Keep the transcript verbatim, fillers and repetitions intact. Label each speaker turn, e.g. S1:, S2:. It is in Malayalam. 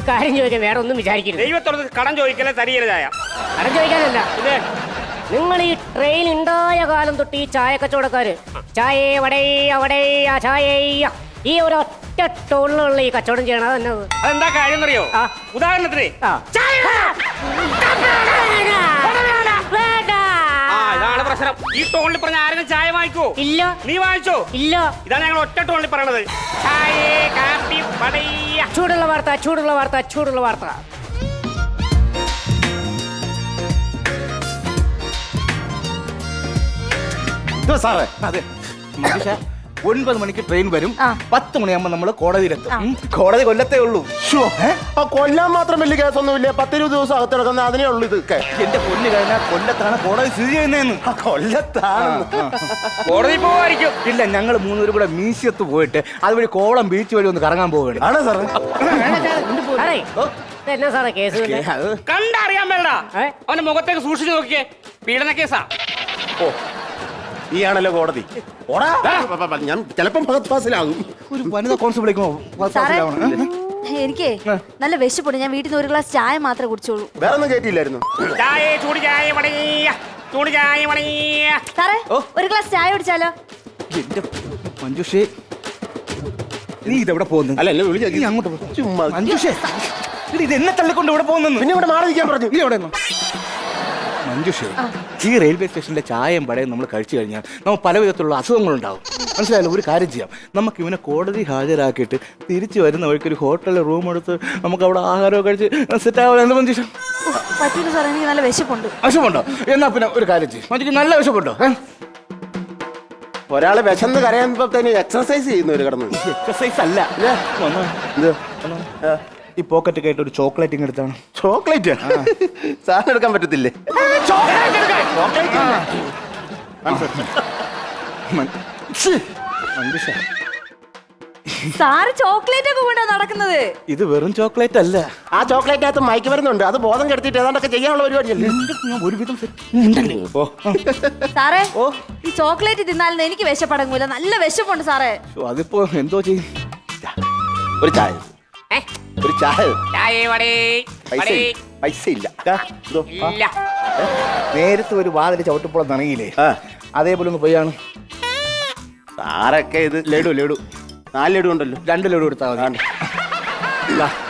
S1: കാര്യം ചോദിക്കാൻ വേറെ ഒന്നും വിചാരിക്കരുത്.
S2: ദൈവത്തോട് കടം ചോദിക്കലേ തരികയില്ല ചായ.
S1: കടം ചോദിക്കാനല്ല, നിങ്ങൾ ഈ ട്രെയിൻ ഉണ്ടായ കാലം തൊട്ട് ഈ ചായ കച്ചവടക്കാര് ചായ വടേ അവിടെ ചായ ഈ ഒരു ഒറ്റ ടോളിലുള്ള ഈ കച്ചവടം ചെയ്യണത് തന്നെ.
S2: അതെന്താ കാര്യം അറിയോ? ഉദാഹരണത്തിന് ഇതാണ് പ്രശ്നം. ഈ ടോണിൽ പറഞ്ഞ ആരെങ്കിലും ചായ വാങ്ങിക്കോ? ഇല്ല. നീ വാങ്ങിച്ചോ? ഇല്ല. ഇതാണ് ഞങ്ങൾ ഒറ്റ ടോണിൽ പറയണത്. ചായ കാപ്പി വടയ.
S1: ചൂടുള്ള വാർത്ത, ചൂടുള്ള വാർത്ത, ചൂടുള്ള വാർത്ത.
S3: സാറേ, അതെ ഒൻപത് മണിക്ക് ട്രെയിൻ വരും. പത്ത് മണിയാകുമ്പോ നമ്മള് കോടതിയിലെത്തും. കോടതി കൊല്ലത്തേ ഉള്ളൂ.
S4: കൊല്ലാൻ മാത്രം വലിയ കേസൊന്നുമില്ല. പത്തിരുപത് ദിവസം അകത്ത് കിടക്കുന്ന അതിനേ ഉള്ളൂ. ഇതൊക്കെ
S3: എന്റെ പൊന്ന് കഴിഞ്ഞാൽ കൊല്ലത്താണ് കോടതി സ്ഥിതി ചെയ്യുന്നതെന്ന്.
S4: കൊല്ലത്താണ്
S2: കോടതി പോവായിരിക്കും.
S3: ഇല്ല, ഞങ്ങൾ മൂന്നുപേരും കൂടെ മ്യൂസിയത്ത് പോയിട്ട് അതുവഴി കോളം ബീച്ച് വഴി ഒന്ന് കറങ്ങാൻ പോവുകയാണ്.
S4: ആണോ സാറേ?
S1: എന്നാ സാറേ കേസ്?
S2: കണ്ടറിയാൻ വേണ്ട. അവന്റെ മുഖത്തേക്ക് സൂക്ഷിച്ചു നോക്കിയേ. പീഡന കേസാ.
S4: ഓ, ഈ ആണല്ലോ കോടതി. ഞാൻ ചിലപ്പം ഫാസിലാകും.
S3: ഒരു വനിതാ കോൺസ്റ്റബിളേക്കോ?
S5: എനിക്ക് നല്ല വിശപ്പുണ്ട്. ഞാൻ വീട്ടിൽ നിന്ന് ഒരു ഗ്ലാസ് ചായ മാത്രമേ കുടിച്ചോളൂ.
S4: വേറെ ഒന്നും കേട്ടില്ലായിരുന്നു.
S5: സാറേ, ഒരു ഗ്ലാസ് ചായ കുടിച്ചാലോ?
S3: എന്റെ മഞ്ജുഷേ, നീ ഇതെവിടെ പോകുന്നു?
S4: അല്ല, എന്നെ വിളിച്ചു
S3: അങ്ങോട്ട് ചുമ്മാ. മഞ്ജുഷേ, ഇത് എന്നെ തള്ളിക്കൊണ്ട് ഇവിടെ പോകുന്നു.
S4: പിന്നെ ഇവിടെ മാറി നിൽക്കാൻ പറഞ്ഞു.
S3: നീ എവിടെ? മഞ്ജുഷേ, ഈ റെയിൽവേ സ്റ്റേഷനിലെ ചായയും പടയും നമ്മൾ കഴിച്ചു കഴിഞ്ഞാൽ നമുക്ക് പല വിധത്തിലുള്ള അസുഖങ്ങളുണ്ടാവും. മനസ്സിലായല്ലോ? ഒരു കാര്യം ചെയ്യാം, നമുക്ക് ഇവനെ കോടതി ഹാജരാക്കിയിട്ട് തിരിച്ചു വരുന്ന വഴിക്ക് ഒരു ഹോട്ടലിൽ റൂം എടുത്ത് നമുക്ക് അവിടെ ആഹാരമൊക്കെ കഴിച്ച് സെറ്റ് ആവാൻ. എന്ത് മഞ്ജുഷ?
S5: പറ്റില്ല സാർ, എനിക്ക് നല്ല വിശപ്പുണ്ട്.
S3: വിശപ്പുണ്ടോ? എന്നാ പിന്നെ ഒരു കാര്യം ചെയ്യും, മഞ്ജുക്ക് നല്ല വിശപ്പുണ്ടോ?
S4: ഒരാള് വിശന്ന് കരയുമ്പോ തന്നെ എക്സർസൈസ് ചെയ്യുന്നവര് കിടന്നു.
S3: എക്സർസൈസ് അല്ല, ഈ പോക്കറ്റ് ആയിട്ട് ഒരു ചോക്ലേറ്റ് ഇങ്ങ് എടുത്താണ്.
S4: ചോക്ലേറ്റ് സാധനം എടുക്കാൻ പറ്റത്തില്ലേ?
S5: സാറ് ചോക്ലേറ്റ് ഒക്കെ കൊണ്ടാ നടക്കുന്നത്.
S3: ഇത് വെറും ചോക്ലേറ്റ് അല്ല.
S4: ആ ചോക്ലേറ്റിനകത്ത് മയക്ക് വരുന്നുണ്ട്. അത് ബോധം കെടുത്തിട്ട് ഏതാണ്ടൊക്കെ ചെയ്യാനുള്ള പരിപാടിയല്ലേ.
S3: ഒരുവിധം
S5: സാറേ, ഈ ചോക്ലേറ്റ് തിന്നാലും എനിക്ക് വിശപ്പടങ്ങൂല. നല്ല വിശപ്പുണ്ട് സാറേ.
S3: അതിപ്പോ എന്തോ ചെയ്യും?
S4: ഒരു ചായ, ഒരു ചായ. പൈസ ഇല്ല.
S3: നേരത്തെ ഒരു വാതിൽ ചവിട്ടിപ്പോൾ നനങ്ങിയില്ലേ, അതേപോലെ ഒന്ന് പോയാണ്.
S4: സാറൊക്കെ ഇത്
S3: ലഡു ലഡു
S4: നാല് ലഡു ഉണ്ടല്ലോ.
S3: രണ്ട് ലഡു എടുത്താൽ മതി.